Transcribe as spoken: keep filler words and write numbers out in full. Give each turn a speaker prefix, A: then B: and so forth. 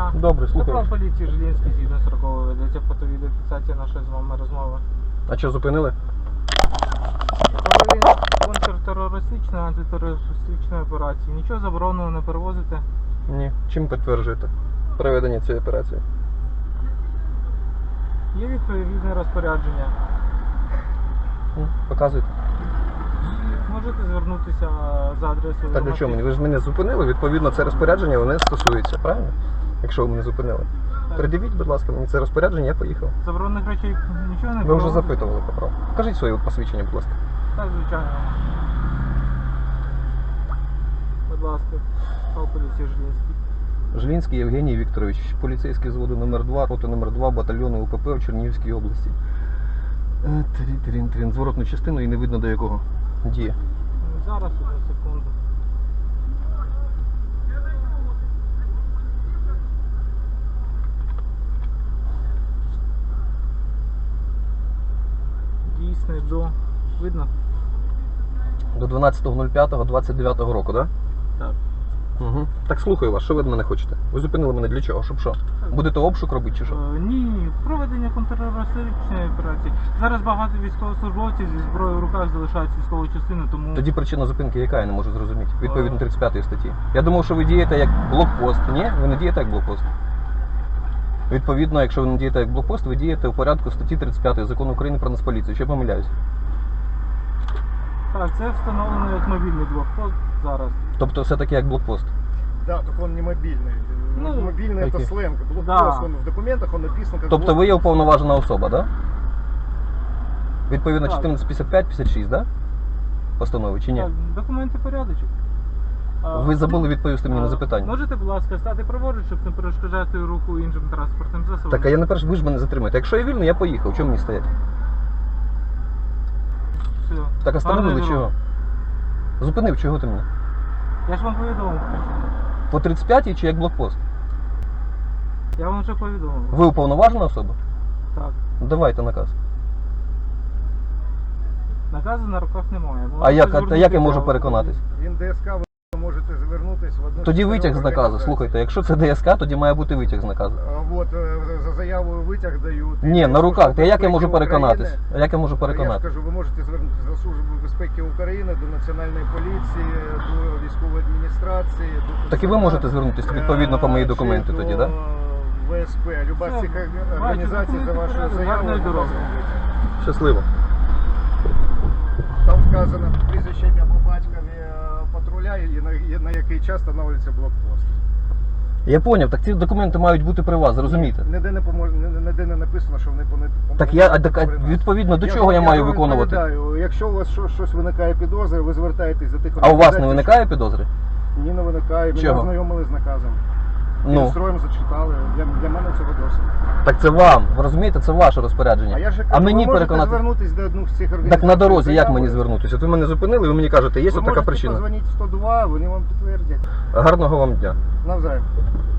A: дня.
B: Добре, слухаю.
A: Капрал поліції Жилінський, згідно сорокового, ведеться фото-відеофіксація нашої з вами розмови.
B: А що, зупинили?
A: Проведення контртерористичної, антитерористичної операції. Нічого забороненого не перевозите.
B: Ні. Чим підтверджуєте проведення цієї операції?
A: Є відповідне розпорядження.
B: М, Показуйте.
A: Можете звернутися за адресою.
B: Так для чого мені? Ви ж мене зупинили, відповідно, це розпорядження мене стосується, правильно? Якщо ви мене зупинили.
A: Так.
B: Придивіть, будь ласка, мені це розпорядження, я поїхав.
A: Заборонених речей нічого не
B: Ви вже
A: перевозите?
B: запитували, Капрал. Покажіть своє посвідчення, будь ласка.
A: Так, звичайно. Будь ласка, капрал поліції Жилінський.
B: Жилінський Євгеній Вікторович, поліцейський зводу номер два, роти номер два, батальйону УПП в Чернігівській області. Е, Трін-трін-трін. Зворотну частину і не видно до якого діє.
A: Зараз, одну секунду. Дійсний до... Видно?
B: До дванадцятого п'ятого двадцять дев'ятого року, так?
A: Так.
B: Да? Угу. Так слухаю вас, що ви від мене хочете? Ви зупинили мене для чого? Щоб що? Будете обшук робити чи що?
A: Е, Ні, проведення контртерористичної операції. Зараз багато військовослужбовців зі зброєю в руках залишають військову частину, тому...
B: Тоді причина зупинки яка, я не можу зрозуміти. Відповідно тридцять п'ятої статті. Я думав, що ви дієте як блокпост. Ні? Ви не дієте як блокпост. Відповідно, якщо ви не дієте як блокпост, ви дієте у порядку статті тридцять п'ятої Закону України про Нацполіцію. Що я помиляюсь?
A: Так, це встановлено як мобільний блокпост зараз.
B: Тобто все-таки як блокпост.
C: Да, только он не мобильный.
A: Ну,
C: мобильный это
B: окей.
C: сленг. Блокпост,
A: Да.
C: он в документах он написан как
B: Тобто ви є уповноважена особа, так? Да? Відповідно
A: Так.
B: чотирнадцять п'ятдесят п'ять п'ятдесят шість, так? Да? Постанови чи ні?
A: Так, документи порядочок. А,
B: Ви забули відповісти мені на
A: а,
B: запитання.
A: Можете, будь ласка, стати праворуч, щоб не перешкоджати руху іншим транспортним засобам?
B: Так, а я не перш, ви ж мене затримаєте. Якщо я вільний, я поїхав. Чому мені стоять?
A: Все.
B: Так, остановили
A: Гарної
B: чого?
A: дороги.
B: Зупинив, чого ти мене?
A: Я ж вам повідомив.
B: По тридцять п'ятій чи як блокпост?
A: Я вам вже повідомив.
B: Ви уповноважена особа?
A: Так.
B: Ну, давайте наказ.
A: Наказу на руках немає. Ви
B: А
A: можете
B: як, а
A: звернутися
B: як я можу
A: до-
B: переконатись?
C: Він ДСК, ви можете звернутись в одну
B: Тоді
C: з
B: витяг з
C: чотирьох
B: наказу.
C: організацій.
B: Слухайте, якщо це ДСК, тоді має бути витяг з наказу.
C: А, Вот, е, за заявою витяг дають.
B: Ні, на руках. Та як я можу
C: Безпеки
B: переконатись?
C: України.
B: А як я можу
C: Я
B: переконатись?
C: скажу, ви можете звернутися до Служби безпеки України, до Національної поліції, до військової адміністрації. До
B: Так і ви
C: ТЦК,
B: можете звернутися відповідно по мої
C: е,
B: документи
C: чи
B: тоді,
C: до
B: так?
C: ВСП. Люба з
A: Все,
C: цих
A: бачу,
C: організацій за
A: документи
C: вашою
A: порядок,
C: заявою.
A: гарної дороги.
B: Да? Щасливо.
C: Там вказано прізвище, ім'я по батькові е, патруля і на, і на який час встановлюється блокпост.
B: Я поняв, так ці документи мають бути при вас, розумієте?
C: Ніде не помож... ні- ніде не написано, що вони по
B: Так я, а, так, а відповідно до чого я маю
C: вам
B: виконувати?
C: відповідаю. Якщо у вас щось, щось виникає підозри, ви звертаєтесь до тих
B: А у вас не
C: організацій,
B: виникає підозри?
C: що- Ні, не виникає. Ми
B: Чого?
C: ознайомили з наказом.
B: Ну,
C: Строєм зачитали. Для, для мене цього досить.
B: так це вам, ви розумієте, це ваше розпорядження.
C: А я ж кажу,
B: А мені
C: ви можете
B: переконати.
C: звернутися до одних з цих організацій.
B: Так на дорозі як
C: заявою.
B: мені звернутися? От ви мене зупинили, ви мені кажете, є
C: Ви
B: от така
C: можете
B: причина.
C: позвонити в сто два, вони вам підтвердять.
B: Гарного вам дня.
C: Навзаєм.